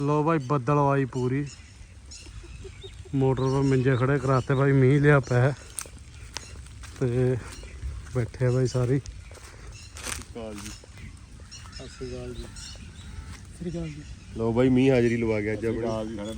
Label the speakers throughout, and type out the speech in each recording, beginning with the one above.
Speaker 1: लो भाई बदल आई पूरी मोटर पर मंजे खड़े कराते भाई मीह लिया पै ते बैठे भाई सारी
Speaker 2: ਲੋ ਬਾਈ ਮੀਂਹ ਹਾਜ਼ਰੀ ਲਵਾ ਗਿਆ ਅੱਜ ਆਪਣਾ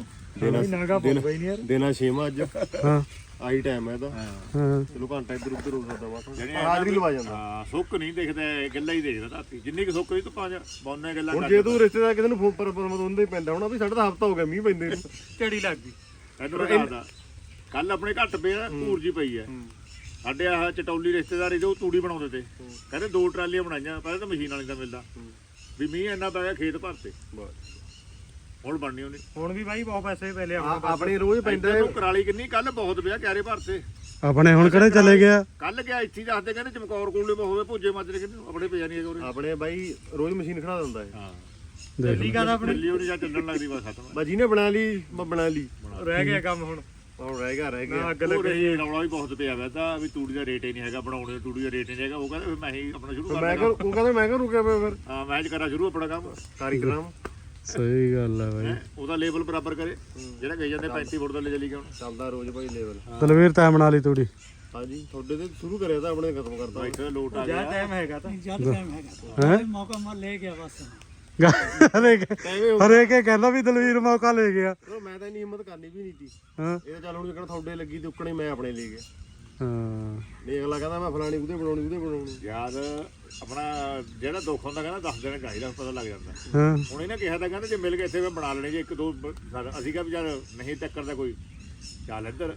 Speaker 2: ਦੇਣਾ 6ਵਾਂ ਅੱਜ
Speaker 1: ਹਾਂ
Speaker 2: ਆਹੀ ਟਾਈਮ ਹੈ ਇਹਦਾ
Speaker 1: ਹਾਂ
Speaker 2: ਚਲੋ ਘੰਟਾ ਇੱਧਰ ਉੱਧਰ ਹੋ ਸਕਦਾ ਵਾ ਹਾਜ਼ਰੀ ਲਵਾ ਜਾਂਦਾ
Speaker 3: ਹਾਂ ਸੁੱਕ ਨਹੀਂ ਦੇਖਦਾ ਗੱਲਾਂ ਹੀ ਦੇਖਦਾ ਰਾਤੀ ਜਿੰਨੀ ਕਿ ਸੁੱਕ ਨਹੀਂ ਧੁੱਪਾਂ ਚ ਬੌਨੇ ਗੱਲਾਂ
Speaker 2: ਹੁਣ ਜੇ ਤੂੰ ਰਿਸ਼ਤੇਦਾਰ ਕਿਸੇ ਨੂੰ ਫੋਨ ਪਰ ਉਹਦੇ ਹੀ ਪੈਂਦਾ ਹੋਣਾ ਵੀ ਸਾਡਾ ਤਾਂ ਹਫਤਾ ਹੋ ਗਿਆ ਮੀਂਹ ਪੈਂਦੇ ਨੂੰ
Speaker 3: ਝੜੀ ਲੱਗ ਗਈ ਇਧਰ ਦੱਸਦਾ ਕੱਲ ਆਪਣੇ ਘੱਟ ਪਿਆ ਧੂਰ ਜੀ ਪਈ ਹੈ ਸਾਡੇ ਆਹ ਚਟੌਲੀ ਰਿਸ਼ਤੇਦਾਰੀ ਜੋ ਤੂੜੀ ਬਣਾਉਂਦੇ ਤੇ ਕਹਿੰਦੇ 2 ਟਰਾਲੀਆਂ ਬਣਾਈਆਂ ਪਹਿਲਾਂ ਤਾਂ ਮਸ਼ੀਨ ਵਾਲੀ ਦਾ ਮਿਲਦਾ ਵੀ ਮੀਂਹ ਇੰਨਾ ਪੈ ਗਿਆ ਖੇਤ ਭਰਤੇ ਹੁਣ ਬਣਨੀ ਉਹਨੇ
Speaker 4: ਹੁਣ ਵੀ ਬਾਈ ਬਹੁਤ ਪੈਸੇ ਪੈ ਲਿਆ
Speaker 2: ਆਪਣੇ ਰੋਜ਼ ਪੈਂਦਾ
Speaker 3: ਤੂੰ ਕਰਾਲੀ ਕਿੰਨੀ ਕੱਲ ਬਹੁਤ ਪਿਆ ਕਿਆਰੇ ਭਰਤੇ
Speaker 1: ਆਪਣੇ ਹੁਣ ਕਿਹੜੇ ਚਲੇ ਗਿਆ
Speaker 3: ਕੱਲ ਗਿਆ ਇੱਥੇ ਹੀ ਦੱਸਦੇ ਕਹਿੰਦੇ ਚਮਕੌਰ ਕੋਲੇ ਹੋਵੇ ਭੁੱਜੇ ਮਾਜਰੇ ਕਹਿੰਦੇ ਆਪਣੇ ਪਿਆ ਨਹੀਂ ਹੈਗੇ
Speaker 2: ਆਪਣੇ ਬਾਈ ਰੋਜ਼ ਮਸ਼ੀਨ ਖੜਾ ਦਿੰਦਾ ਹੈ
Speaker 3: ਹਾਂ
Speaker 4: ਦਿੱਲੀ ਕਾ ਦਾ
Speaker 3: ਦਿੱਲੀ ਉਹਨੇ ਜਾਂ ਚੱਲਣ ਲੱਗਦੀ ਬਸ ਖਤਮ
Speaker 2: ਬਸ ਜਿਹਨੇ ਬਣਾ ਲਈ ਬਣਾ ਲਈ
Speaker 4: ਰਹਿ ਗਿਆ ਕੰਮ ਹੁਣ
Speaker 2: ਰਹਿ ਗਿਆ
Speaker 4: ਅੱਗ ਲੱਗ ਰਹੀ
Speaker 3: ਉਹ ਰੌਲਾ ਵੀ ਬਹੁਤ ਪਿਆ ਵੈਦਾ ਵੀ ਤੂੜੀ ਦਾ ਰੇਟ ਹੀ ਨਹੀਂ ਹੈਗਾ ਬਣਾਉਣੇ ਤੂੜੀ ਦਾ ਰੇਟ ਨਹੀਂ ਹੈਗਾ ਉਹ ਕਹਿੰਦਾ ਫਿਰ ਮੈਂ ਹੀ ਆਪਣਾ ਸ਼ੁਰੂ
Speaker 2: ਮੈਂ ਕਿਹਾ ਉਹ ਕਹਿੰਦਾ ਮੈਂ ਕਿਹਾ ਰੁਕਿਆ ਪਿਆ ਫਿਰ
Speaker 3: ਹਾਂ ਮੈਂ ਕਰਾਂ ਸ਼ੁਰੂ ਆਪਣਾ ਕੰਮ
Speaker 2: ਕਾਰੀਗਰਾਂ
Speaker 1: ਸਹੀ ਗੱਲ ਹੈ ਬਾਈ
Speaker 3: ਉਹਦਾ ਲੈਵਲ ਬਰਾਬਰ ਕਰੇ ਜਿਹੜਾ ਕਹੀ ਜਾਂਦੇ 35 ਫੁੱਟ ਦਾ ਲੈ ਚਲੀ ਗਿਆ ਹੁਣ
Speaker 2: ਚੱਲਦਾ ਰੋਜ਼ ਭਾਈ ਲੈਵਲ
Speaker 1: ਤਲਵੀਰ ਤਾਂ ਬਣਾ ਲਈ ਤੂੜੀ
Speaker 2: ਹਾਂਜੀ ਤੁਹਾਡੇ ਤੇ ਸ਼ੁਰੂ ਕਰਿਆ ਤਾਂ ਆਪਣੇ ਖਤਮ ਕਰਤਾ
Speaker 3: ਇੱਥੇ ਲੋਟ ਆ
Speaker 4: ਜਿਆਦਾ
Speaker 3: ਗਿਆ
Speaker 4: ਟਾਈਮ ਹੈਗਾ ਤਾਂ ਜਿਆਦਾ ਟਾਈਮ ਹੈਗਾ
Speaker 1: ਹੈ
Speaker 4: ਮੌਕਾ ਮਾ ਲੈ ਗਿਆ ਬਸ
Speaker 1: ਹਰੇਕ ਕਹਿੰਦਾ ਵੀ ਦਲਵੀਰ ਮੌਕਾ ਲੈ ਗਿਆ
Speaker 2: ਮੈਂ ਤਾਂ ਇੰਨੀ ਹਿੰਮਤ ਕਰਨੀ ਵੀ ਨਹੀਂ ਸੀ
Speaker 1: ਹਾਂ
Speaker 2: ਇਹ ਤਾਂ ਚੱਲ ਹੁਣ ਜਿਹੜਾ ਤੁਹਾਡੇ ਲੱਗੀ ਤੇ ਉੱਕਣੇ ਮੈਂ ਆਪਣੇ ਲੈ ਗਿਆ
Speaker 1: ਹਾਂ
Speaker 2: ਨਹੀਂ ਅਗਲਾ ਕਹਿੰਦਾ ਮੈਂ ਫਲਾਣੀ ਉਹਦੇ ਬਣਾਉਣੀ
Speaker 3: ਯਾਦ ਆਪਣਾ ਜਿਹੜਾ ਦੁੱਖ ਹੁੰਦਾ ਕਹਿੰਦਾ 10 ਦਿਨ ਚਾਹੀਦਾ ਪਤਾ ਲੱਗ ਜਾਂਦਾ
Speaker 1: ਹਾਂ
Speaker 3: ਹੁਣ ਇਹਨੇ ਕਿਹਾ ਤਾਂ ਕਹਿੰਦਾ ਜੇ ਮਿਲ ਗਏ ਇੱਥੇ ਮੈਂ ਬਣਾ ਲੈਣੇ ਜੇ ਇੱਕ ਦੋ ਅਸੀਂ ਕਿਹਾ ਵੀ ਯਾਰ ਨਹੀਂ ਟੱਕਰ ਦਾ ਕੋਈ ਚੱਲ ਇੱਧਰ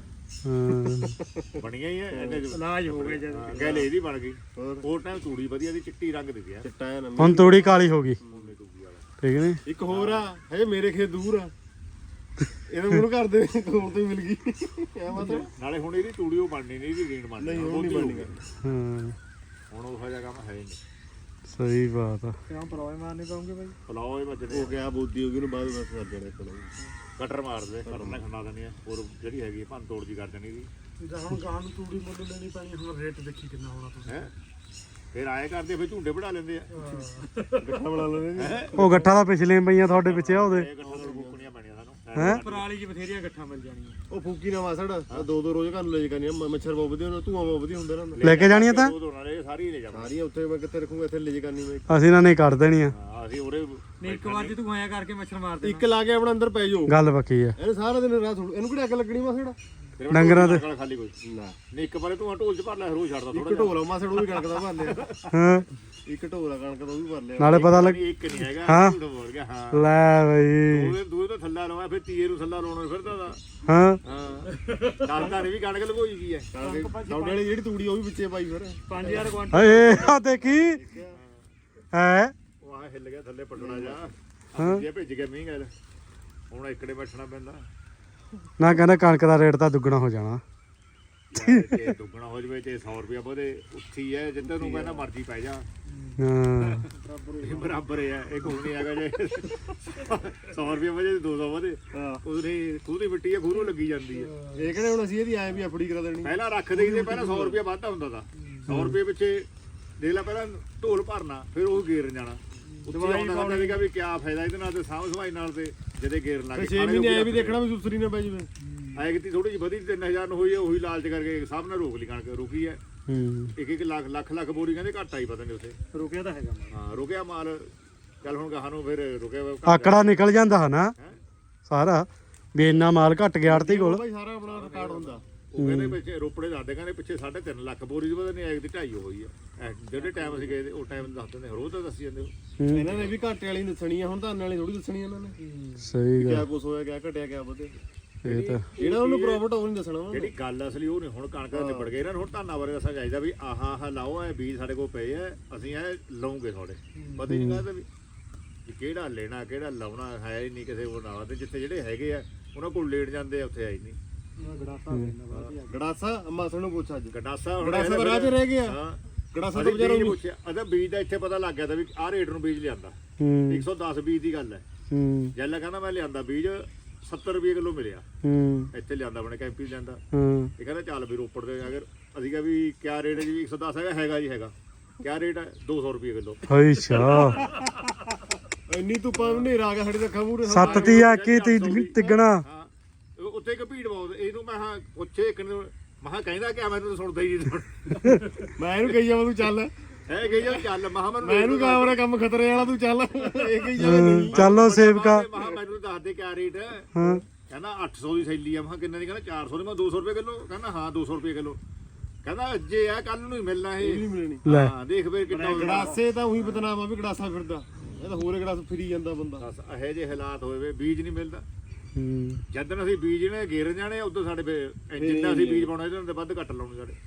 Speaker 1: ਹਾਂ
Speaker 3: ਬਣੀਆਂ ਹੀ ਐ
Speaker 4: ਇਲਾਜ ਹੋ ਗਿਆ ਜਦ
Speaker 3: ਗੱਲ ਇਹਦੀ ਬਣ ਗਈ ਹੋਰ ਟਾਈਮ ਤੂੜੀ ਵਧੀਆ ਦੀ ਚਿੱਟੀ ਰੰਗ ਦੀ ਗਿਆ
Speaker 2: ਚਿੱਟਾ ਹੈ ਨਾ
Speaker 1: ਹੁਣ ਤੂੜੀ ਕਾਲੀ ਹੋ ਗਈ ਠੀਕ ਨਹੀਂ
Speaker 2: ਇੱਕ ਹੋਰ ਆ ਹਜੇ ਮੇਰੇ ਖੇਤ ਦੂਰ ਆ ਇਹਨੂੰ ਮੂੰਹ ਕਰਦੇ ਕੋਲ ਤੋਂ ਹੀ ਮਿਲ ਗਈ ਐ ਮਤਲਬ
Speaker 3: ਨਾਲੇ ਹੁਣ ਇਹਦੀ ਤੂੜੀ ਉਹ ਬਣਨੀ ਨਹੀਂ ਇਹਦੀ ਰੀਣ ਬਣਨੀ
Speaker 2: ਨਹੀਂ ਉਹ ਨਹੀਂ ਬਣਨੀ
Speaker 1: ਹਾਂ
Speaker 3: ਹੁਣ ਉਹ ਜਿਹਾ ਕੰਮ ਹੈ ਨਹੀਂ
Speaker 1: ਸਹੀ ਬਾਤ ਆ
Speaker 4: ਕਿਉਂ ਪਰੋਏ ਮਾਰਨੇ ਪਾਉਂਗੇ ਬਾਈ
Speaker 3: ਫਲਾਓ ਇਹ ਵੱਜਦੇ
Speaker 2: ਹੋ ਗਿਆ ਬੋਦੀ ਹੋ ਗਈ ਉਹਨੂੰ ਬਾਅਦ ਬਸ ਕਰ ਦੇਣਾ ਇੱਕ
Speaker 3: ਕਟਰ ਮਾਰਦੇ ਕਰਨਾ ਖੰਡਾ ਦੇਣੀ ਆ ਹੋਰ ਜਿਹੜੀ ਹੈਗੀ ਭੰਨ ਤੋੜ ਜੀ ਕਰ ਦੇਣੀ ਦੀ
Speaker 4: ਜਿੱਦਾਂ ਹੁਣ ਗਾਂ ਨੂੰ ਤੂੜੀ ਮੁੱਲ ਲੈਣੀ ਪੈਣੀ ਹੁਣ ਰੇਟ ਦੇਖੀ ਕਿੰਨਾ ਹੋਣਾ ਤੁਸੀਂ
Speaker 3: ਹੈ ਫਿਰ ਆਏ ਕਰਦੇ ਫਿਰ ਝੁੰਡੇ ਬਣਾ ਲੈਂਦੇ ਆ
Speaker 2: ਗੱਠਾ ਬਣਾ ਲੈਣੇ
Speaker 1: ਉਹ ਗੱਠਾ ਦਾ ਪਿਛਲੇ ਪਈਆਂ ਤੁਹਾਡੇ ਪਿੱਛੇ ਆ ਉਹਦੇ
Speaker 3: ਇਹ ਗੱਠਾਂ ਤੋਂ ਬੁੱਕਣੀਆਂ ਪੈਣੀਆਂ ਸਾਨੂੰ
Speaker 1: ਹੈ
Speaker 4: ਪਰਾਲੀ 'ਚ ਬਥੇਰੀਆਂ ਗੱਠਾਂ ਮਿਲ ਜਾਣੀਆਂ
Speaker 2: ਉਹ ਫੂਕੀ ਨਾ ਵਾਸੜ ਦੋ ਰੋਜ਼ ਘਰ ਨੂੰ ਲੈ ਜਾਣੀ ਮੱਛਰ ਬਹੁਤ ਵਧੀਆ ਹੁੰਦਾ ਧੂਆਂ ਬਹੁਤ ਵਧੀਆ ਹੁੰਦਾ ਨਾ
Speaker 1: ਲੈ ਕੇ ਜਾਣੀਆਂ ਤਾਂ
Speaker 3: ਦੋ ਨਾਲੇ ਸਾਰੀ ਲੈ ਜਾਵਾਂ
Speaker 2: ਸਾਰੀਆਂ ਉੱਥੇ ਮੈਂ ਕਿੱਥੇ ਰੱਖੂਗਾ ਇੱਥੇ ਲੈ ਜਾ ਕਰਨੀ ਮੈਂ
Speaker 1: ਅਸੀਂ ਨਾ ਨਹੀਂ ਕੱਢ ਦੇਣੀਆਂ
Speaker 3: ਅਸੀਂ ਉਰੇ
Speaker 4: ਨਹੀਂ ਇੱਕ ਵਾਰ ਜੇ ਤੂੰ ਆਇਆ ਕਰਕੇ ਮੱਛਰ ਮਾਰ ਦੇ
Speaker 2: ਇੱਕ ਲਾ ਕੇ ਆਪਣਾ ਅੰਦਰ ਪੈ ਜਾਓ
Speaker 1: ਗੱਲ ਪੱਕੀ ਆ
Speaker 2: ਇਹਨੇ ਸਾਰਾ ਦਿਨ ਰਾਤ ਇਹਨੂੰ ਕਿਹੜਾ ਅੱਗ ਲੱਗਣੀ ਮਾਸੜ
Speaker 1: ਡੰਗਰਾਂ ਦੇ
Speaker 3: ਖਾਲੀ ਕੋਈ
Speaker 2: ਨਾ
Speaker 3: ਨਹੀਂ ਇੱਕ ਵਾਰੇ ਤੂੰ ਢੋਲ ਚ ਭਰ ਲੈ ਰੋਜ਼ ਛੱਡਦਾ
Speaker 2: ਇੱਕ ਢੋਲਾ ਮਾਸੜ ਉਹ ਵੀ ਕਣਕ ਦਾ ਭਰ ਲਿਆ
Speaker 1: ਹਾਂ
Speaker 2: ਇੱਕ ਢੋਲਾ ਕਣਕ ਦਾ ਉਹ ਵੀ ਭਰ ਲਿਆ
Speaker 1: ਨਾਲੇ ਪਤਾ ਲੱਗ
Speaker 3: ਇੱਕ ਨਹੀਂ ਹੈਗਾ
Speaker 1: ਹਾਂ।
Speaker 3: ਝੂਠ ਬੋਲ ਗਿਆ ਹਾਂ
Speaker 1: ਲੈ ਬਈ
Speaker 3: ਉਹਦੇ ਦੂਏ ਤੋਂ ਥੱਲਾ ਲਵਾਇਆ ਫਿਰ ਤੀਏ ਨੂੰ ਥੱਲਾ ਲਾਉਣਾ ਫਿਰਦਾ ਦਾ
Speaker 1: ਹਾਂ
Speaker 3: ਹਾਂ ਦੱਸਦਾ ਨਹੀਂ ਵੀ ਕਣਕ ਲਗੋਈ ਗਈ ਹੈ
Speaker 2: ਤੁਹਾਡੇ ਵਾਲੀ ਜਿਹੜੀ ਤੂੜੀ ਉਹ ਵੀ ਵਿੱਚੇ ਪਾਈ ਫਿਰ
Speaker 4: 5000 ਕੁਆਂਟਲ
Speaker 1: ਏ ਆ ਦੇਖੀ ਹੈ
Speaker 3: ਉਹ ਆ ਹਿੱਲ ਗਿਆ ਥੱਲੇ ਪਟਣਾ ਜਾ ਜੇ ਭਿੱਜ ਗਿਆ ਮੀਂਹ ਗੱਲ ਹੁਣ ਇਕੜੇ ਬੈਠਣਾ ਪੈਂਦਾ
Speaker 1: ਨਾ ਕਹਿੰਦਾ ਕਣਕ ਦਾ ਰੇਟ ਤਾਂ ਦੁੱਗਣਾ ਹੋ ਜਾਣਾ
Speaker 3: ਯਾਰ ਜੇ ਦੁੱਗਣਾ ਹੋ ਜਵੇ ਤੇ 100 ਰੁਪਇਆ ਵਧੇ ਉੱਥੀ ਹੈ ਜਿੱਦਾਂ ਨੂੰ ਕਹਿੰਦਾ ਮਰਜ਼ੀ ਪੈ ਜਾ
Speaker 1: ਹਾਂ
Speaker 3: ਇਹ ਬਰਾਬਰ ਹੈ ਇਹ ਕੋਈ ਨਹੀਂ ਹੈਗਾ ਜੇ 100 ਰੁਪਇਆ ਵਧੇ 200 ਵਧੇ ਉਹਦੇ ਖੂਹ ਦੀ ਮਿੱਟੀ ਹੈ ਖੂਹ ਨੂੰ ਲੱਗੀ ਜਾਂਦੀ ਹੈ
Speaker 2: ਇਹ ਕਿਹੜੇ ਹੁਣ ਅਸੀਂ ਇਹਦੀ ਆਏ ਵੀ ਆਪੜੀ ਕਰਾ ਦੇਣੀ
Speaker 3: ਪਹਿਲਾਂ ਰੱਖ ਦੇਈਦੇ ਪਹਿਲਾਂ 100 ਰੁਪਇਆ ਵਾਧਾ ਹੁੰਦਾ ਤਾਂ 100 ਰੁਪਏ ਪਿੱਛੇ ਦੇਖ ਲੈ ਪਹਿਲਾਂ ਢੋਲ ਭਰਨਾ ਫਿਰ ਉਹ ਗੇਰਨ ਜਾਣਾ ਉੱਥੇ ਆਉਂਦਾ ਕਹਿੰਦਾ ਸੀਗਾ ਵੀ ਕਿਆ ਫਾਇਦਾ ਇਹਦੇ ਨਾਲ ਤੇ ਸਾਂਭ ਸਵਾਈ ਨਾਲ ਤੇ ਜਦੇ ਗੇਰਨ ਲੱਗ
Speaker 2: 6 ਮਹੀਨੇ ਆਏ ਵੀ ਦੇਖਣਾ ਵੀ ਸੁਸਰੀ ਨਾ ਪੈ ਜਵੇ
Speaker 3: ਆਏ ਕਿਤੇ ਥੋੜੀ ਜਿਹੀ ਵਧੀ 3000 ਨੂੰ ਹੋਈ ਹੈ ਉਹੀ ਲਾਲਚ ਕਰਕੇ ਸਭ ਨੇ ਰੋਕ ਲਈ ਕਣਕ ਰੁਕੀ ਹੈ
Speaker 1: ਹੂੰ
Speaker 3: ਇੱਕ ਲੱਖ ਬੋਰੀ ਕਹਿੰਦੇ ਘੱਟ ਆਈ ਪਤਾ ਨਹੀਂ ਉੱਥੇ
Speaker 4: ਰੁਕਿਆ ਤਾਂ ਹੈਗਾ
Speaker 3: ਹਾਂ ਰੁਕਿਆ ਮਾਲ ਚੱਲ ਹੁਣ ਗਾਹਾਂ ਨੂੰ ਫਿਰ ਰੁਕਿਆ
Speaker 1: ਆਕੜਾ ਨਿਕਲ ਜਾਂਦਾ ਹਨਾ ਸਾਰਾ ਵੀ ਇੰਨਾ ਮਾਲ ਘਟ ਗਿਆ ਆੜਤੀ ਕੋਲ
Speaker 2: ਭਾਈ ਸਾਰਾ ਆਪਣਾ ਰਿਕਾਰਡ ਹੁੰਦਾ
Speaker 3: ਉਹ ਕਹਿੰਦੇ ਪਿੱਛੇ ਰੋਪੜੇ ਦੱਸਦੇ ਕਹਿੰਦੇ ਪਿੱਛੇ 3.5 ਲੱਖ ਬੋਰੀ ਦੀ ਪਤਾ ਨਹੀਂ ਆਏ ਕਿਤੇ 2.5 ਹੋਈ ਹੈ ਜਿਹੜੇ ਟਾਈਮ ਅਸੀਂ ਗਏ ਉਹ ਟਾਈਮ ਦੱਸ ਦਿੰਦੇ ਰੋਜ਼ ਤਾਂ ਦੱਸੀ ਜਾਂਦੇ ਉਹ
Speaker 2: ਇਹਨਾਂ ਨੇ ਵੀ ਘਾਟੇ ਵਾਲੀ ਦੱਸਣੀ ਆ ਹੁਣ ਧਾਨ ਵਾਲੀ ਥੋੜੀ ਦੱਸਣੀ ਇਹਨਾਂ ਨੇ
Speaker 1: ਸਹੀ
Speaker 2: ਕਿਆ
Speaker 1: ਗੱਲ
Speaker 2: ਕੁਛ ਹੋਇਆ ਕਿਆ ਘਟਿਆ ਕਿਆ ਵਧੇ
Speaker 1: ਇਹ ਤਾਂ
Speaker 2: ਜਿਹੜਾ ਉਹਨੂੰ ਪ੍ਰੋਫਿਟ ਉਹ ਨਹੀਂ ਦੱਸਣਾ
Speaker 3: ਜਿਹੜੀ ਗੱਲ ਅਸਲੀ ਉਹ ਨਹੀਂ ਹੁਣ ਕਣਕ ਦਾ ਨਿਬੜ ਗਏ ਇਹਨਾਂ ਨੂੰ ਹੁਣ ਧਾਨਾਂ ਬਾਰੇ ਦੱਸਣਾ ਚਾਹੀਦਾ ਵੀ ਆਹ ਲਾਓ ਇਹ ਬੀਜ ਸਾਡੇ ਕੋਲ ਪਏ ਆ ਅਸੀਂ ਇਹ ਲਾਉਂਗੇ ਥੋੜੇ ਪਤਾ ਹੀ ਨਹੀਂ ਕਹਿੰਦੇ ਵੀ ਕਿਹੜਾ ਲੈਣਾ ਕਿਹੜਾ ਲਾਉਣਾ ਹੈ ਹੀ ਨਹੀਂ ਕਿਸੇ ਕੋਲ ਨਾਲ ਤੇ ਜਿੱਥੇ ਜਿਹੜੇ ਹੈਗੇ ਆ ਉਹਨਾਂ ਕੋਲ ਲੇਟ ਜਾਂਦੇ ਆ ਉੱਥੇ ਆਈ ਨਹੀਂ
Speaker 2: ਗੜਾਸਾ ਮਾਸੜ ਨੂੰ ਪੁੱਛ ਅੱਜ
Speaker 3: ਗੰਡਾਸਾ
Speaker 2: ਗੜਾਸਾ ਦਾ ਰਾਹ 'ਚ ਰਹਿ ਗਿਆ
Speaker 3: ਹਾਂ
Speaker 2: ਗੜਾਸਾ ਤਾਂ ਵਿਚਾਰਾ
Speaker 3: ਪੁੱਛਿਆ ਅਦਾ ਬੀਜ ਦਾ ਇੱਥੇ ਪਤਾ ਲੱਗ ਗਿਆ ਤਾਂ ਵੀ ਆਹ ਰੇਟ ਨੂੰ ਬੀਜ ਲਿਆਂਦਾ
Speaker 1: ਹੂੰ
Speaker 3: 110 ਬੀਜ ਦੀ ਗੱਲ ਹੈ
Speaker 1: ਹੂੰ
Speaker 3: ਜੈਲਾ ਕਹਿੰਦਾ ਮੈਂ ਲਿਆਂਦਾ ਬੀਜ 70 ਰੁਪਏ ਕਿਲੋ ਮਿਲਿਆ
Speaker 1: ਹੂੰ
Speaker 3: ਇੱਥੇ ਲਿਆਂਦਾ ਆਪਣੇ ਕੈਂਪੀ ਲਿਆਂਦਾ
Speaker 1: ਹੂੰ
Speaker 3: ਇਹ ਕਹਿੰਦਾ ਚੱਲ ਵੀ ਰੋਪੜ ਦੇ ਅਗਰ ਅਸੀਂ ਕਿਹਾ ਵੀ ਕਿਆ ਰੇਟ ਹੈ ਜੀ 110 ਹੈਗਾ ਜੀ ਹੈਗਾ ਕਿਆ ਰੇਟ ਹੈ 200 ਰੁਪਏ ਕਿਲੋ
Speaker 1: ਅੱਛਾ
Speaker 2: ਇੰਨੀ ਧੁੱਪਾਂ ਹਨੇਰਾ ਆ ਗਿਆ ਸਾਡੇ ਅੱਖਾਂ ਮੂਹਰੇ
Speaker 1: 7 ਤੀ ਆਕੀ ਤਿੱਗਣਾ
Speaker 3: ਹਾਂ ਉੱਥੇ ਇੱਕ ਭੀੜ ਬਹੁਤ ਇਹਨੂੰ ਮੈਂ ਹਾਂ ਪੁੱਛੇ ਇੱਕ ਨੂੰ ਮਹਾ ਕਹਿੰਦਾ ਕਿ ਮੈਨੂੰ ਤਾਂ ਸੁਣਦਾ ਹੀ ਨਹੀਂ
Speaker 2: ਮੈਂ ਇਹਨੂੰ ਕਹੀ ਜਾਵਾਂ ਤੂੰ ਚੱਲ
Speaker 3: ਹੈ ਗਈ ਚੱਲ ਮਹਾ
Speaker 2: ਮੈਂ ਇਹਨੂੰ ਕਹਾਂ ਮੇਰਾ ਕੰਮ ਖਤਰੇ ਵਾਲਾ ਤੂੰ ਚੱਲ ਇਹ ਕਹੀ ਜਾਵੇ ਨਹੀਂ
Speaker 1: ਚੱਲੋ ਸੇਵਕਾ
Speaker 3: ਮਹਾ ਮੈਨੂੰ ਦੱਸ ਦੇ ਕਿਆ ਰੇਟ ਹੈ
Speaker 1: ਹਾਂ
Speaker 3: ਕਹਿੰਦਾ 800 ਦੀ ਥੈਲੀ ਆ ਮਹਾ ਕਿੰਨੇ ਦੀ ਕਹਿੰਦਾ 400 ਦੀ ਮੈਂ 200 ਰੁਪਏ ਕਿਲੋ ਕਹਿੰਦਾ ਹਾਂ 200 ਰੁਪਏ ਕਿਲੋ ਕਹਿੰਦਾ ਅੱਜ ਆ ਕੱਲ ਨੂੰ ਹੀ ਮਿਲਣਾ
Speaker 2: ਇਹ
Speaker 3: ਇਹ
Speaker 2: ਨਹੀਂ ਮਿਲਣੀ
Speaker 1: ਲੈ
Speaker 3: ਹਾਂ ਦੇਖ ਫੇਰ ਕਿੰਨਾ
Speaker 2: ਗੜਾਸੇ ਤਾਂ ਉਹੀ ਬਦਨਾਮ ਆ ਵੀ ਗੜਾਸਾ ਫਿਰਦਾ ਇਹ ਤਾਂ ਹੋਰ ਗੜਾਸ ਫਿਰੀ ਜਾਂਦਾ ਬੰਦਾ
Speaker 3: ਬਸ ਇਹੋ ਜਿਹੇ ਹਾਲਾਤ ਹੋਏ ਵੇ ਬੀਜ ਨਹੀਂ ਮਿਲਦਾ
Speaker 1: ਹੂੰ
Speaker 3: ਜਦੋਂ ਅਸੀਂ ਬੀਜ ਨੇ ਗੇਰ ਜਾਣੇ ਉਦੋਂ ਸਾਡੇ ਜਿੰਨਾ ਅਸੀਂ ਬੀਜ ਪਾਉਣਾ ਇਹਦੇ ਨਾਲ ਵੱਧ ਘੱਟ ਲਾਉਣੇ ਸਾਡੇ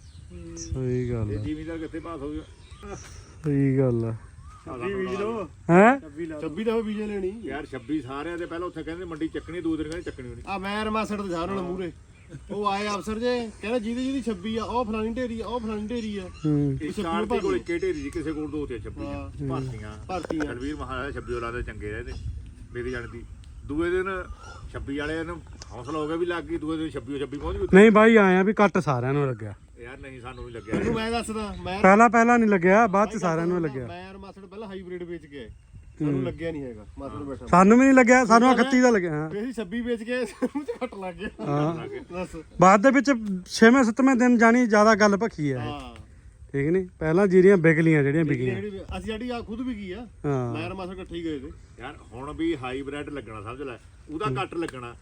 Speaker 1: ਸਹੀ ਗੱਲ
Speaker 3: ਇਹ
Speaker 1: ਆ
Speaker 3: ਜ਼ਿਮੀਦਾਰ ਕਿੱਥੇ ਪਾਸ ਹੋ ਗਿਆ
Speaker 1: ਸਹੀ ਗੱਲ ਆ
Speaker 2: ਬੀਜ ਲੋ
Speaker 1: ਹੈ
Speaker 2: 26 ਦਾ ਬੀਜੇ ਲੈਣੀ
Speaker 3: ਯਾਰ 26 ਸਾਰਿਆਂ ਦੇ ਪਹਿਲਾਂ ਉੱਥੇ ਕਹਿੰਦੇ ਮੰਡੀ ਚੱਕਣੀ ਦੂਜੇ ਦਿਨ ਕਹਿੰਦੇ ਚੱਕਣੀ ਹੋਣੀ
Speaker 2: ਆ ਮੈਂ ਰਮਾਸੜ ਤੇ ਜਾ ਨਾਲ ਮੂਰੇ ਉਹ ਆਏ ਅਫਸਰ ਜੇ ਕਹਿੰਦਾ ਜਿਹਦੀ 26 ਆ ਉਹ ਫਲਾਣੀ ਢੇਰੀ ਆ ਉਹ ਫਲਾਣੀ ਢੇਰੀ ਆ
Speaker 1: ਹੂੰ
Speaker 3: ਇੱਕ ਆਰਤੀ ਕੋਲ ਇੱਕੇ ਢੇਰੀ ਜੀ ਕਿਸੇ ਕੋਲ ਦੋ ਤੇ 26
Speaker 2: ਹਾਂ।
Speaker 3: ਭਰਤੀਆਂ
Speaker 2: ਭਰਤੀਆਂ
Speaker 3: ਤਲਵੀਰ ਮਹਾਰਾਜ 26 ਔਲਾਦੇ ਚੰਗੇ ਰਹੇ ਤੇ ਮੇਰੀ ਜਾਣਦੀ ਦੂਏ ਦਿਨ 26 ਵਾਲੇ ਨੂੰ ਹੌਸਲਾ ਹੋ ਗਿਆ ਵੀ ਲੱਗ ਗਈ ਦੂਏ ਦਿਨ 26 ਪਹੁੰਚ ਗਈ
Speaker 1: ਨਹੀਂ ਬਾਈ ਆਇਆ ਵੀ ਕੱਟ ਸਾਰਿਆਂ ਨੂੰ ਲੱਗਿਆ
Speaker 3: ਯਾਰ ਨਹੀਂ ਸਾਨੂੰ ਵੀ ਲੱਗਿਆ
Speaker 2: ਤੈਨੂੰ ਮੈਂ ਦੱਸਦਾ ਮੈਂ
Speaker 1: ਪਹਿਲਾਂ ਨਹੀਂ ਲੱਗਿਆ ਬਾਅਦ ਚ ਸਾਰਿਆਂ ਨੂੰ ਲੱਗਿਆ
Speaker 2: ਮੈਂ ਰਮਾਸੜ ਪਹਿਲਾਂ ਹਾਈਬ੍ਰਿਡ ਵੇਚ ਕੇ ਆਏ ਸਾਨੂੰ ਲੱਗਿਆ ਨਹੀਂ ਹੈਗਾ ਮਾਸੜ ਬੈਠਾ
Speaker 1: ਸਾਨੂੰ ਵੀ ਨਹੀਂ ਲੱਗਿਆ ਸਾਨੂੰ 31 ਦਾ ਲੱਗਿਆ ਹਾਂ
Speaker 2: ਫੇਰ ਅਸੀਂ 26 ਵੇਚ ਕੇ ਸਾਨੂੰ ਤੇ ਘੱਟ ਲੱਗ ਗਿਆ
Speaker 1: ਹਾਂ
Speaker 2: ਦੱਸ
Speaker 1: ਬਾਅਦ ਦੇ ਵਿੱਚ 6ਵੇਂ 7ਵੇਂ ਦਿਨ ਜਾਣੀ ਜ਼ਿਆਦਾ ਗੱਲ ਭਖੀ ਹੈ
Speaker 2: ਹਾਂ
Speaker 1: ਠੀਕ ਨਹੀਂ ਪਹਿਲਾਂ ਜੀਰੀਆਂ ਵਿਕ ਲੀਆਂ ਜਿਹੜੀਆਂ ਵਿਕੀਆਂ
Speaker 2: ਅਸੀਂ ਸਾਡੀ ਆ ਖੁਦ ਵੀ ਕੀ ਆ
Speaker 1: ਹਾਂ
Speaker 2: ਮੈਂ ਰਮਾਸੜ ਇਕੱਠੇ ਹੀ ਗਏ ਤੇ
Speaker 3: ਯਾਰ ਹੁਣ ਵੀ ਹਾਈਬ੍ਰਿਡ ਲੱਗਣਾ ਸਮਝ ਲੈ ਉਹਦਾ ਕੱਟ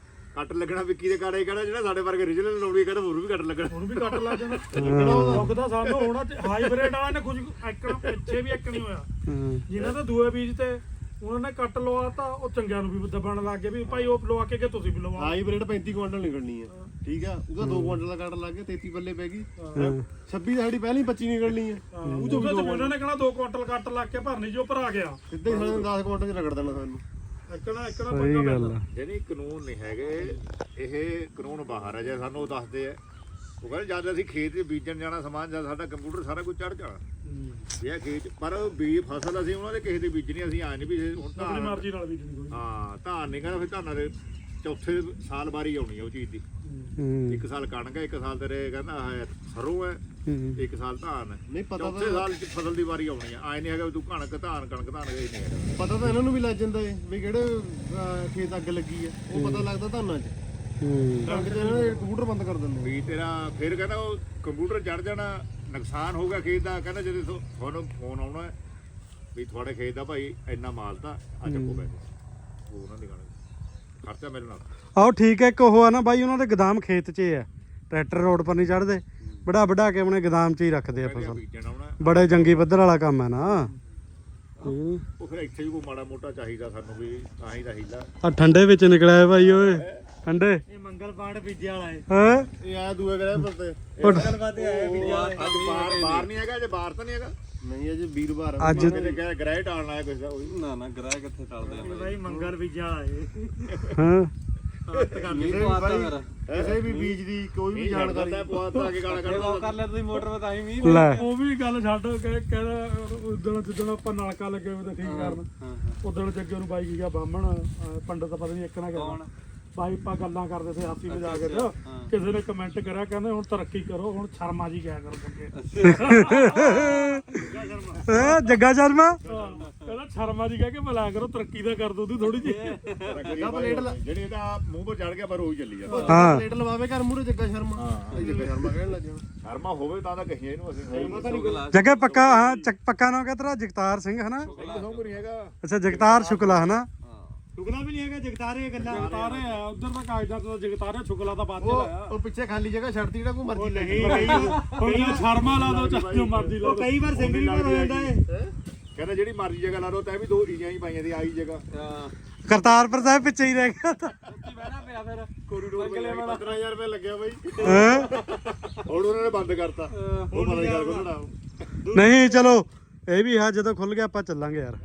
Speaker 3: ਲੱਗਣਾ ਵਿੱਕੀ ਦੇ ਕਾੜੇ ਕਿਹੜਾ ਜਿਹੜਾ ਸਾਡੇ ਵਰਗੇ ਰੀਜਨਲ ਲੋੜੀ ਕਹਿੰਦਾ ਹੋਰ ਵੀ ਕੱਟ ਲੱਗਣਾ
Speaker 4: ਹੁਣ ਵੀ ਕੱਟ ਲਾ ਜਾਣਾ ਲੱਗਦਾ ਸਾਨੂੰ ਹੋਣਾ ਹਾਈਬ੍ਰਿਡ ਵਾਲਿਆਂ ਨੇ ਕੁਝ ਐਕਣ ਪਿੱਛੇ ਵੀ ਐਕ ਨਹੀਂ ਹੋਇਆ
Speaker 1: ਹਾਂ।
Speaker 4: ਜਿਨ੍ਹਾਂ ਦਾ ਦੂਏ ਬੀਜ ਤੇ ਉਹਨਾਂ ਨੇ ਕੱਟ ਲਵਾਤਾ ਉਹ ਚੰਗਿਆਂ ਨੂੰ ਵੀ ਦੱਬਣ ਲੱਗ ਗਏ ਵੀ ਭਾਈ ਉਹ ਲਵਾ ਕੇ ਕਿ ਤੁਸੀਂ ਵੀ ਲਵਾਓ
Speaker 2: ਹਾਈਬ੍ਰਿਡ 35 ਕੁਇੰਟਲ ਨਿਕਲਣੀ ਆ ਠੀਕ ਆ ਉਹਦਾ 2 ਕੁਇੰਟਲ ਦਾ ਕੱਟ ਲੱਗ ਗਿਆ 33 ਪੱਲੇ ਪੈ ਗਈ 26 ਸਾਡੀ ਪਹਿਲੀ 25 ਨਿਕਲਣੀ ਆ
Speaker 4: ਉਹ ਤੋਂ ਉਹਨਾਂ ਨੇ ਕਹਣਾ 2 ਕੁਇੰਟਲ ਕੱਟ ਲੱਗ ਕੇ ਭਰਨੀ ਜੋ ਭਰਾ ਗਿਆ
Speaker 2: ਸਿੱਧੇ ਹੀ ਸਾਨੂੰ 10 ਕੁਇੰਟਲ ਚ ਰਗੜ ਦੇਣਾ ਸਾਨੂੰ
Speaker 4: ਐਕਣਾ
Speaker 1: ਸਹੀ ਗੱਲ ਆ
Speaker 3: ਜਿਹੜੀ ਕਾਨੂੰਨ ਨਹੀਂ ਹੈਗੇ ਇਹ ਕਾਨੂੰਨ ਬਾਹਰ ਆ ਜੇ ਸਾਨੂੰ ਉਹ ਦੱਸਦੇ ਆ ਉਹ ਕਹਿੰਦੇ ਜਦ ਅਸੀਂ ਖੇਤ 'ਚ ਬੀਜਣ ਜਾਣਾ ਸਮਾਨ ਜਦ ਸਾਡਾ ਕੰਪਿਊਟਰ ਸਾਰਾ ਕੁਝ ਚੜ ਜਾਣਾ ਵੀ ਇਹ ਖੇਤ ਪਰ ਵੀ ਫਸਲ ਅਸੀਂ ਉਹਨਾਂ ਦੇ ਕਿਸੇ ਦੀ ਬੀਜਣੀ ਅਸੀਂ ਆਏ ਨਹੀਂ ਵੀ ਹੁਣ
Speaker 4: ਆਪਣੀ
Speaker 3: ਧਾਨ
Speaker 4: ਮਰਜ਼ੀ ਨਾਲ ਬੀਜਣੀ ਕੋਈ
Speaker 3: ਹਾਂ ਧਾਨ ਨਹੀਂ ਕਹਿੰਦਾ ਫਿਰ ਧਾਨਾਂ ਦੇ ਚੌਥੇ ਸਾਲ ਵਾਰੀ ਆਉਣੀ ਆ ਉਹ ਚੀਜ਼ ਦੀ
Speaker 1: ਹੂੰ
Speaker 3: ਇੱਕ ਸਾਲ ਕਣਕ ਹੈ ਇੱਕ ਸਾਲ ਤੇਰੇ ਕਹਿੰਦਾ ਆਹ ਸਰੋਂ ਹੈ
Speaker 1: ਹੂੰ।
Speaker 3: ਇੱਕ ਸਾਲ ਧਾਨ ਹੈ
Speaker 2: ਨਹੀਂ ਪਤਾ
Speaker 3: ਚੌਥੇ ਸਾਲ ਚ ਫਸਲ ਦੀ ਵਾਰੀ ਆਉਣੀ ਆ ਆਏ ਨਹੀਂ ਹੈਗਾ ਵੀ ਤੂੰ ਕਣਕ ਧਾਨ ਇਹ ਨਹੀਂ ਹੈਗਾ
Speaker 2: ਪਤਾ ਤਾਂ ਇਹਨਾਂ ਨੂੰ ਵੀ ਲੱਗ ਜਾਂਦਾ ਏ ਵੀ ਕਿਹੜੇ ਖੇਤ ਅੱਗ ਲੱਗੀ ਆ ਉਹ ਪਤਾ ਲੱਗਦਾ ਧਾਨਾਂ 'ਚ
Speaker 1: ਹੂੰ
Speaker 2: ਕਣਕ 'ਚ ਇਹਨਾਂ ਦੇ ਕੰਪਿਊਟਰ ਬੰਦ ਕਰ ਦਿੰਦੇ
Speaker 3: ਵੀ ਤੇਰਾ ਫਿਰ ਕਹਿੰਦਾ ਉਹ ਕੰਪਿਊਟਰ ਚੜ ਜਾਣਾ ਨੁਕਸਾਨ ਹੋਊਗਾ ਖੇਤ ਦਾ ਕਹਿੰਦਾ ਜਦੋਂ ਤੁਹਾਨੂੰ ਫੋਨ ਆਉਣਾ ਹੈ ਵੀ ਤੁਹਾਡੇ ਖੇਤ ਦਾ ਭਾਈ ਇੰਨਾ ਮਾਲ ਤਾਂ ਆ ਚੱਕੋ ਪੈਸੇ ਉਹ ਉਹਨਾਂ ਦੀ ਗੱਲ ਖਰਚਾ ਮੇਰੇ ਨਾਲ
Speaker 1: ਆਓ ਠੀਕ ਹੈ ਇੱਕ ਉਹ ਆ ਨਾ ਬਾਈ ਉਹਨਾਂ ਦੇ ਗਦਾਮ ਖੇਤ 'ਚ ਹੈ ਟਰੈਕਟਰ ਰੋਡ ਪਰ ਨਹੀਂ ਚੜਦੇ ਵਡਾ ਕੇ ਆਪਣੇ ਗਦਾਮ 'ਚ ਹੀ ਰੱਖਦੇ ਆ ਫਸਲ
Speaker 3: ਬੀਜਣ ਆਉਣਾ
Speaker 1: ਬੜੇ ਜੰਗੀ ਪੱਧਰ ਵਾਲਾ ਕੰਮ ਹੈ ਨਾ
Speaker 3: ਉਹ ਫਿਰ ਇੱਥੇ ਵੀ ਕੋਈ ਮਾੜਾ ਮੋਟਾ ਚਾਹੀਦਾ ਸਾਨੂੰ ਵੀ ਤਾਂ ਹੀ ਦਾ ਹੀਲਾ
Speaker 1: ਆ ਠੰਡੇ ਵਿੱਚ ਨਿਕਲਿਆ ਬਾਈ ਓਏ ਠੰਡੇ
Speaker 4: ਇਹ ਮੰਗਲ ਪਾਂਡ ਬੀਜੇ ਵਾਲਾ ਹੈ
Speaker 1: ਹੈ
Speaker 2: ਇਹ ਆਇਆ ਦੂਏ ਗ੍ਰਹਿ ਪਰ ਤੇ
Speaker 4: ਗੱਲਬਾਤ ਆਇਆ ਬੀਜੇ ਵਾਲਾ
Speaker 3: ਅੱਜ ਬਾਹਰ ਨਹੀਂ ਹੈਗਾ ਜੇ ਬਾਹਰ ਤਾਂ ਨਹੀਂ ਹੈਗਾ
Speaker 2: ਨਹੀਂ ਅਜੇ ਵੀਰਵਾਰ
Speaker 1: ਅੱਜ
Speaker 3: ਕਿਤੇ ਕਹਿ ਗ੍ਰਹਿ ਟਾਲਣਾ ਹੈ ਕੁਛ ਦਾ ਉਹ ਵੀ
Speaker 2: ਨਾ ਨਾ ਗ੍ਰਹਿ ਕਿੱਥੇ ਟਲਦੇ ਆ
Speaker 4: ਭਾਈ ਮੰਗਲ ਬੀਜੇ ਵਾਲਾ ਹੈ
Speaker 1: ਹਾਂ
Speaker 2: ਕਿਸੇ ਵੀ ਬੀਜ ਦੀ ਕੋਈ ਵੀ ਜਾਣਕਾਰੀ
Speaker 3: ਬਹੁਤ ਆ ਕੇ ਗਾਣਾ ਕੱਢਦਾ
Speaker 2: ਕਰ ਲਿਆ ਤੁਸੀਂ ਮੋਟਰ ਤੇ ਤਾਂ ਹੀ ਮੀਂਹ
Speaker 1: ਲੈ
Speaker 4: ਉਹ ਵੀ ਗੱਲ ਛੱਡ ਕੇ ਕਹਿੰਦਾ ਉਦੋਂ ਜਿੱਦਣ ਆਪਾਂ ਨਲਕਾ ਲੱਗੇ ਹੋਏ ਤਾਂ ਠੀਕ ਕਰਨ ਉਦੋਂ ਜੱਗੇ ਨੂੰ ਬਾਈ ਗਿਆ ਬਾਹਮਣ ਪੰਡਤ ਪਤਾ ਨਹੀਂ ਇੱਕ ਨਾ ਕਹਿੰਦਾ ਬਾਈ ਆਪਾਂ ਗੱਲਾਂ ਕਰਦੇ ਤੇ ਹਾਸੀ ਮਜ਼ਾਕ ਚ ਕਿਸੇ ਨੇ ਕਮੈਂਟ ਕਰਿਆ ਕਹਿੰਦੇ ਹੁਣ ਤਰੱਕੀ ਕਰੋ ਹੁਣ ਸ਼ਰਮਾ ਜੀ ਕਿਆ ਕਰੋ
Speaker 1: ਜੱਗਾ ਸ਼ਰਮਾ
Speaker 4: ਕਹਿੰਦਾ ਸ਼ਰਮਾ ਜੀ ਕਹਿ ਕੇ ਬੁਲਾਇਆ ਕਰੋ ਤਰੱਕੀ ਦਾ ਕਰ ਦੋ ਉਹਦੀ ਥੋੜੀ ਜਿਹੀ
Speaker 3: ਜਿਹੜੀ ਇਹਦਾ ਮੂੰਹ 'ਤੇ ਚੜ ਗਿਆ ਪਰ ਉਹ ਹੀ ਚੱਲੀ ਜਾਂਦਾ
Speaker 1: ਹਾਂ
Speaker 2: ਪਲੇਟ ਲਵਾਵੇ ਘਰ ਮੂਰੇ ਜੱਗਾ ਸ਼ਰਮਾ ਜੱਗਾ ਸ਼ਰਮਾ ਕਹਿਣ ਲੱਗ ਜਾਣਾ
Speaker 3: ਸ਼ਰਮਾ ਹੋਵੇ ਤਾਂ ਕਹੀਏ ਇਹਨੂੰ ਅਸੀਂ
Speaker 1: ਜੱਗੇ ਪੱਕਾ ਹਾਂ ਪੱਕਾ ਨਾਮ ਕਿਆ ਤੇਰਾ ਜਗਤਾਰ ਸਿੰਘ ਹੈ ਨਾ
Speaker 3: ਸੌਂਗ ਨਹੀਂ ਹੈਗਾ
Speaker 1: ਅੱਛਾ ਜਗਤਾਰ ਸ਼ੁਕਲਾ ਹੈ ਨਾ
Speaker 4: ਸ਼ੁਕਲਾ ਵੀ ਨਹੀਂ ਹੈਗਾ ਜਗਤਾਰੇ ਗੱਲਾਂ ਜਗਤਾਰੇ ਆ ਉਧਰ ਤਾਂ ਕਾਗਜ਼ਾਂ ਤੋਂ ਜਗਤਾਰੇ ਸ਼ੁਕਲਾ ਤਾਂ ਬਾਅਦ ਚ ਲਾਇਆ
Speaker 2: ਉਹ ਪਿੱਛੇ ਖਾਲੀ ਜਗ੍ਹਾ ਛੱਡਤੀ ਜਿਹੜਾ ਕੋਈ ਮਰਜ਼ੀ ਲੈ
Speaker 4: ਹੁਣ ਜੇ ਸ਼ਰਮਾ ਲਾ ਦੋ ਚਾਹੇ ਜੋ ਮਰਜ਼ੀ ਲਾ ਦੋ ਕਈ ਵਾਰ ਸਿੰਗਲ ਵਾਰ ਹੋ ਜਾਂਦਾ ਏ
Speaker 3: ਕਹਿੰਦਾ ਜਿਹੜੀ ਮਰਜ਼ੀ ਜਗ੍ਹਾ ਲਾ ਲਓ ਤਾਂ ਵੀ ਦੋ ਈਆਂ ਹੀ ਪਾਈਆਂ ਦੀ ਆਈ ਜਗ੍ਹਾ
Speaker 1: ਕਰਤਾਰਪੁਰ ਸਾਹਿਬ ਪਿੱਛੇ ਹੀ ਰਹਿ ਗਿਆ
Speaker 4: ਬਹਿਣਾ ਪਿਆ ਫਿਰ
Speaker 3: ਕੋਰੀਡੋਰ
Speaker 2: 15000 ਰੁਪਏ ਲੱਗਿਆ ਬਾਈ
Speaker 1: ਹੈਂ?
Speaker 3: ਹੁਣ ਉਹਨਾਂ ਨੇ ਬੰਦ ਕਰਤਾ ਉਹ ਪਤਾ ਨਹੀਂ ਕਰ ਕੋਣਾ
Speaker 1: ਨਹੀਂ ਚਲੋ ਇਹ ਵੀ ਹੈ ਜਦੋਂ ਖੁੱਲ ਗਿਆ ਆਪਾਂ ਚੱਲਾਂਗੇ ਯਾਰ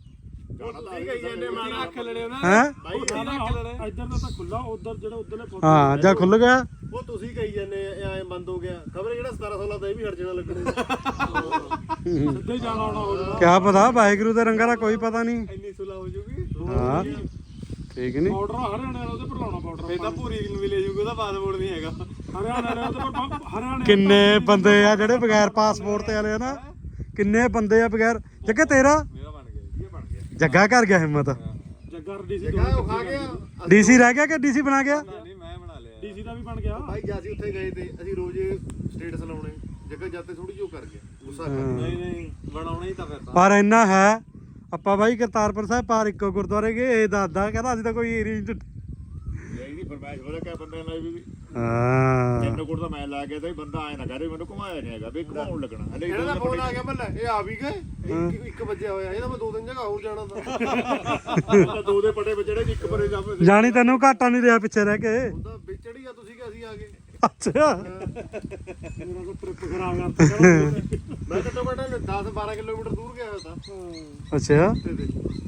Speaker 2: ਅੱਖ ਲੜੇ ਉਹਨਾਂ
Speaker 1: ਹੈ
Speaker 4: ਇੱਧਰ ਦਾ ਤਾਂ ਖੁੱਲਾ ਉਧਰ ਜਿਹੜਾ ਉਧਰਲੇ
Speaker 1: ਹਾਂ ਜਾਂ ਖੁੱਲ ਗਿਆ
Speaker 2: ਉਹ ਤੁਸੀਂ ਕਹੀ ਜਾਂਦੇ ਐ ਬੰਦ ਹੋ ਗਿਆ ਖਬਰ ਜਿਹੜਾ 1716 ਦਾ ਇਹ ਵੀ ਹਟ ਜਾਣਾ ਲੱਗਣਾ
Speaker 4: ਸਿੱਧੇ ਜਾਣਾ ਆਉਣਾ ਹੋ ਜਾਣਾ
Speaker 1: ਕਿਆ ਪਤਾ ਵਾਹਿਗੁਰੂ ਦੇ ਰੰਗਾਂ ਦਾ ਕੋਈ ਪਤਾ ਨਹੀਂ
Speaker 2: ਇੰਨੀ ਸੁਲਾ ਹੋ ਜੂਗੀ
Speaker 1: ਹਾਂ ਠੀਕ ਨਹੀਂ
Speaker 4: ਪਾਊਡਰ ਹਰਿਆਣੇ ਵਾਲਾ ਉਹਦੇ ਪਰ ਲਾਉਣਾ ਪਾਊਡਰ
Speaker 2: ਫੇਰ ਤਾਂ ਭੂਰੀ ਨੂੰ ਵੀ ਲੈ ਜੂਗਾ ਉਹਦਾ ਪਾਸਪੋਰਟ ਨਹੀਂ ਹੈਗਾ
Speaker 4: ਹਰਿਆਣੇ ਵਾਲੇ ਉਹਦੇ ਪਰ ਹਰਿਆਣੇ
Speaker 1: ਕਿੰਨੇ ਬੰਦੇ ਆ ਜਿਹੜੇ ਬਗੈਰ ਪਾਸਪੋਰਟ ਤੇ ਵਾਲੇ ਆ ਨਾ ਕਿੰਨੇ ਬੰਦੇ ਆ ਬਗੈਰ ਜੱਗੇ ਤੇਰਾ
Speaker 2: ਮੇਰਾ ਬਣ ਗਿਆ ਇਹ ਬਣ ਗਿਆ
Speaker 1: ਜੱਗਾ ਕਰ ਗਿਆ ਹਿੰਮਤ
Speaker 4: ਜੱਗਾ ਡੀਸੀ
Speaker 2: ਜਗ੍ਹਾ ਉਹ ਖਾ ਗਿਆ
Speaker 1: ਡੀਸੀ ਰਹਿ ਗਿਆ ਕਿ ਡੀਸੀ ਬਣਾ ਗਿਆ
Speaker 5: ਨਹੀਂ ਮੈਂ ਬਣਾ ਲਿਆ
Speaker 4: ਡੀਸੀ ਦਾ ਵੀ ਬਣ ਗਿਆ
Speaker 2: ਭਾਈ ਜੇ ਅਸੀਂ ਉੱਥੇ ਗਏ ਤੇ ਅਸੀਂ ਰੋਜ਼ ਸਟੇਟਸ ਲਾਉਣੇ ਜਗ੍ਹਾ ਜਾਤੇ ਥੋੜੀ ਜਿਹੀ ਉਹ ਕਰ ਗਿਆ ਗੁੱਸਾ ਕਰ
Speaker 5: ਨਹੀਂ ਨਹੀਂ ਬਣਾਉਣਾ ਹੀ ਤਾਂ ਫਿਰ ਤਾਂ
Speaker 1: ਪਰ ਇੰਨਾ ਹੈ ਆਪਾਂ ਬਾਈ ਕਰਤਾਰਪੁਰ ਸਾਹਿਬ ਪਾਰ ਇੱਕੋ ਗੁਰਦੁਆਰੇ ਗਏ ਇਹ ਦੱਸਦਾ ਕਹਿੰਦਾ ਅਸੀਂ ਤਾਂ ਕੋਈ ਏਰੀਆ ਚ
Speaker 3: ਇਹਦੀ ਫਰਮਾਇਸ਼ ਬੜਾ ਕਿ ਬੰਦੇ ਨਾਲ ਵੀ
Speaker 1: ਹਾਂ
Speaker 3: ਤਿੰਨ ਕੋਟ ਦਾ ਮੈਂ ਲਾ ਗਿਆ ਤਾਂ ਬੰਦਾ ਆਏ ਨਾ ਕਰੇ ਮੈਨੂੰ ਘੁਮਾਇਆ ਨਹੀਂ ਹੈਗਾ ਵੀ ਘੁਮਾਉਣ ਲੱਗਣਾ ਹਲੇ
Speaker 2: ਇਹਨਾਂ ਦਾ ਫੋਨ ਆ ਗਿਆ ਮੱਲੇ ਇਹ ਆ ਵੀ ਗਏ 1 ਵਜੇ ਹੋਇਆ ਇਹਦਾ ਮੈਂ 2 ਜਗ੍ਹਾ ਹੋਰ ਜਾਣਾ ਤਾਂ
Speaker 3: ਦੋ ਦੇ ਪਟੇ ਵਿੱਚ ਜਿਹੜੇ ਇੱਕ ਪਰੇ ਜਾਵੇ
Speaker 1: ਜਾਣੀ ਤੈਨੂੰ ਘਾਟਾ ਨਹੀਂ ਰਿਹਾ ਪਿੱਛੇ ਰਹਿ ਕੇ
Speaker 2: ਹੁੰਦਾ ਵਿਚੜੀ ਆ ਤੁਸੀਂ ਕਿ ਅਸੀਂ ਆ ਗਏ
Speaker 1: ਅੱਛਾ
Speaker 4: ਮੇਰਾ ਕੋ ਟ੍ਰਿਪ ਖਰਾਬ ਕਰਤਾ
Speaker 2: ਮੈਂ ਘੱਟੋ ਘੱਟ 10-12 ਕਿਲੋਮੀਟਰ ਦੂਰ ਗਿਆ ਹੋਇਆ ਤਾਂ
Speaker 1: ਅੱਛਾ
Speaker 2: ਤੇ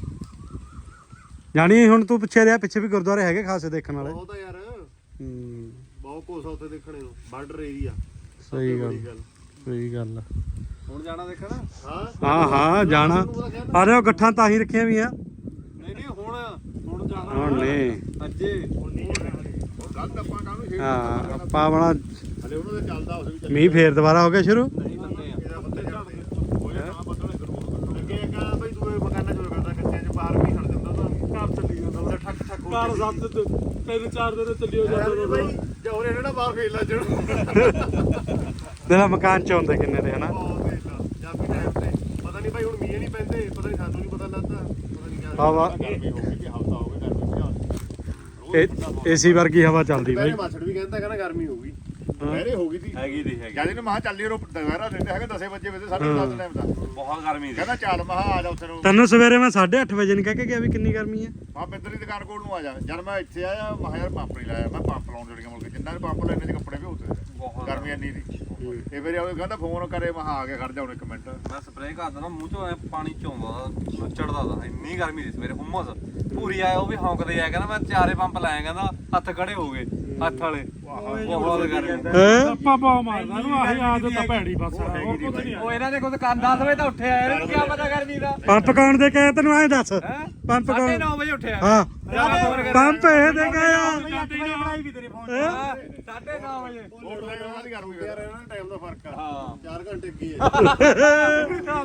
Speaker 1: ਜਾਣੀ ਹੁਣ ਤੂੰ ਪਿੱਛੇ ਰਿਹਾ ਪਿੱਛੇ ਵੀ ਗੁਰਦੁਆਰੇ ਹੈਗੇ ਖਾਸੇ ਦੇਖਣ ਵਾਲੇ
Speaker 2: ਬਹੁਤ ਆ ਯਾਰ
Speaker 1: ਹੂੰ
Speaker 2: ਬਹੁਤ ਕੁਛ ਆ ਉੱਥੇ ਦੇਖਣੇ ਨੂੰ ਬਾਰਡਰ ਏਰੀਆ
Speaker 1: ਸਹੀ ਗੱਲ
Speaker 5: ਹੁਣ ਜਾਣਾ ਦੇਖਣਾ
Speaker 2: ਹਾਂ
Speaker 1: ਹਾਂ ਜਾਣਾ ਆ ਰਹੇ ਗੱਠਾਂ ਤਾਂ ਹੀ ਰੱਖੀਆਂ ਵੀ ਆ
Speaker 5: ਨਹੀਂ ਨਹੀਂ ਹੁਣ ਜਾਣਾ
Speaker 1: ਹੁਣ ਨਹੀਂ
Speaker 5: ਅੱਜੇ
Speaker 3: ਗਲਤ ਆਪਾਂ ਕਾਹਨੂੰ
Speaker 1: ਹਾਂ ਆਪਾਂ ਬਣਾ
Speaker 3: ਹਲੇ ਉਹਨਾਂ ਦੇ ਚੱਲਦਾ ਉਸ ਵੀ
Speaker 1: ਮੀਂਹ ਫੇਰ ਦੁਬਾਰਾ ਹੋ ਗਿਆ ਸ਼ੁਰੂ
Speaker 5: ਨਹੀਂ ਬੰਦੇ ਆ
Speaker 2: ਇਹਦਾ ਬੰਦੇ ਝੜਦੇ
Speaker 3: ਹੋਏ ਤਾਂ ਬੱਦਲ ਕਰੂਗਾ
Speaker 2: ਅੱਗੇ ਇੱਕ ਬਈ ਦੂਏ ਮਕਾਨਾਂ ਚ ਹੋਇਆ ਕਰਦਾ ਕੱਚਿਆਂ ਚ ਬਾਹਰ ਵੀ ਖੜ ਜਾਂਦਾ ਤਾਂ
Speaker 4: ਘਰ ਚੱਲੀ ਜਾਂਦਾ
Speaker 2: ਉਹਦਾ ਠੱਕ ਠੱਕ ਹੋ
Speaker 4: ਘਰ
Speaker 2: ਜਾਂਦੀ।
Speaker 4: 3-4 ਦਿਨ ਚੱਲੀ ਹੋ
Speaker 2: ਯਾਰ
Speaker 4: ਜਾਂਦਾ
Speaker 2: ਬਈ ਜੋਰੇ ਇਹਨਾਂ ਬਾਹਰ ਫੇਰ ਲਾ ਜਣ
Speaker 1: ਤੇਰਾ ਮਕਾਨ ਚ ਹੁੰਦੇ ਕਿੰਨੇ ਦੇ ਹਨਾ
Speaker 2: ਬਹੁਤ ਫੇਰ ਲਾ ਜਾਪੀ ਟਾਈਮ ਤੇ ਪਤਾ ਨਹੀਂ ਭਾਈ ਹੁਣ ਮੀਂਹ ਨਹੀਂ ਪੈਂਦੇ ਪਤਾ ਨਹੀਂ ਸਾਨੂੰ ਨਹੀਂ ਪਤਾ ਲੱਗਦਾ ਪਤਾ ਨਹੀਂ ਕਿਆ
Speaker 1: ਹਵਾ
Speaker 3: ਗਰਮੀ ਹੋ ਗਈ ਕਿ ਹਫਤਾ ਹੋ ਗਿਆ ਗਰਮੀ
Speaker 1: ਏਸੀ ਵਰਗੀ ਹਵਾ ਚੱਲਦੀ
Speaker 2: ਪਹਿਲੇ
Speaker 1: ਬਾਈ
Speaker 2: ਮਾਛੜ ਵੀ ਕਹਿੰਦਾ ਕਹਿੰਦਾ ਗਰਮੀ ਹੋਊਗੀ
Speaker 3: ਪਹਿਲੇ ਹੋ ਗਈ ਸੀ
Speaker 5: ਹੈਗੀ ਦੀ ਹੈਗੀ
Speaker 3: ਜਦ ਇਹਨੂੰ ਮਹਾ ਚੱਲੀ ਰੋ ਦੁਪਹਿਰਾ ਦਿੰਦੇ ਹੈਗੇ 10 ਵਜੇ ਵੇ 7:30 ਟਾਈਮ ਦਾ
Speaker 5: ਬਹੁਤ ਗਰਮੀ ਦੀ
Speaker 3: ਕਹਿੰਦਾ ਚੱਲ ਮਹਾ ਆ ਜਾ ਉੱਥੇ ਨੂੰ
Speaker 1: ਤੈਨੂੰ ਸਵੇਰੇ ਮੈਂ 8:30 ਵਜੇ ਨਹੀਂ ਕਹਿ ਕੇ ਗਿਆ ਵੀ ਕਿੰਨੀ ਗਰਮੀ ਹੈ
Speaker 3: ਮਾ ਬਿੰਦਰ ਦੀ ਦੁਕਾਨ ਕੋਲ ਨੂੰ ਆ ਜਾ ਜਦ ਮੈਂ ਇੱਥੇ ਆਇਆ ਮਹਾ ਯਾਰ ਪੰਪ ਨਹੀਂ ਲਾਇਆ ਮੈਂ ਪੰਪ ਲਾਉਣ ਜੜੀਆਂ ਮੁੜ ਕੇ ਜਿੰਨਾਂ ਨੇ ਪੰਪ ਲੈਣੇ ਤੇ ਕੱਪੜੇ ਵੀ ਹੁੰਦੇ
Speaker 5: ਬਹੁਤ
Speaker 3: ਗਰਮੀ ਇੰਨੀ ਦੀ ਤੇ ਫਿਰ ਉਹ ਕਹਿੰਦਾ ਫੋਨ ਕਰੇ ਮਹਾ ਆ ਕੇ ਖੜ ਜਾ ਹੁਣ 1 ਮਿੰਟ
Speaker 5: ਮੈਂ ਸਪਰੇਅ ਕਰਦਾ ਨਾ ਮੂੰਹ ਚੋਂ ਐਂ ਪਾਣੀ ਚੋਂਦਾ ਚੜਦਾ ਦਾ ਇੰਨੀ ਗਰਮੀ ਦੀ ਸਵੇਰੇ ਹੁਮਸ ਪੂਰੀ ਆਇਆ ਉਹ ਵੀ ਹੌਂਕਦੇ ਆ ਕਹਿੰਦਾ ਮੈਂ ਚਾਰੇ ਪੰਪ ਲਾਇਆ ਕਹਿੰਦਾ ਹੱਥ ਖੜੇ ਹੋ ਗਏ ਹੱਥ ਵਾਲੇ ਬਹੁਤ ਗਰਮੀ
Speaker 1: ਹੈਂ?
Speaker 4: ਆਪਾਂ ਪਾ ਮਾਰਦਾ ਨੂੰ ਆਹੀ ਆਦਤ ਤਾਂ ਭੈੜੀ ਬਸ ਹੋਰ ਕੁਝ ਨਹੀਂ
Speaker 5: ਉਹ ਇਹਨਾਂ ਦੇ ਕੋਲ ਦੁਕਾਨ 10 ਵਜੇ ਤਾਂ ਉੱਠਿਆ ਇਹਨੂੰ ਕੀ ਪਤਾ ਗਰਮੀ ਦਾ
Speaker 1: ਪੰਪ ਕੌਣ ਦੇ ਕੇ ਤੈਨੂੰ ਐਂ ਦੱਸ
Speaker 5: ਹੈ
Speaker 1: ਪੰਪ ਕੌਣ
Speaker 5: 9:30 ਵਜੇ ਉੱਠਿਆ
Speaker 1: ਹਾਂ ਪੰਪ ਇਹ ਦੇ ਕੇ ਆ
Speaker 4: ਬਣਾਈ ਵੀ ਤੇਰੇ ਫੋਨ
Speaker 5: 9:30 ਵਜੇ
Speaker 3: ਉਹ ਡਰਾਈਵਰ ਨਾਲ ਗਰਮੀ
Speaker 2: ਯਾਰ ਇਹਨਾਂ ਦਾ ਟਾਈਮ ਦਾ ਫਰਕ ਆ
Speaker 5: ਹਾਂ
Speaker 2: 4 ਘੰਟੇ ਅੱਗੇ ਹੈ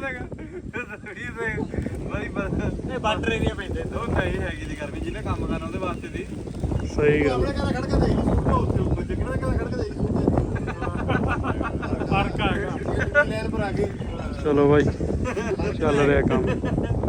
Speaker 5: ਇਹ ਬਾਰਡਰ ਏਰੀਆ ਪੈਂਦੇ ਉਹ ਨਹੀਂ ਹੈਗੀ ਦੀ ਗਰਮੀ ਜਿਹਨੇ ਕੰਮ ਕਰਨਾ ਉਹਦੇ ਵਾਸਤੇ ਦੀ
Speaker 1: ਸਹੀ ਗੱਲ
Speaker 2: ਆਪਣੇ ਘਰ ਖੜ ਕੇ ਦੇਖ ਲਈ ਉੱਥੇ ਉੱਪਰ ਜੱਗਣਾ ਦੇ ਘਰ ਖੜ ਕੇ ਦੇਖ
Speaker 4: ਫਰਕ ਆ ਗਿਆ
Speaker 2: ਲੈਣ ਪਰ ਆ ਗਏ
Speaker 1: ਚਲੋ ਬਾਈ ਚੱਲ ਰਿਹਾ ਕੰਮ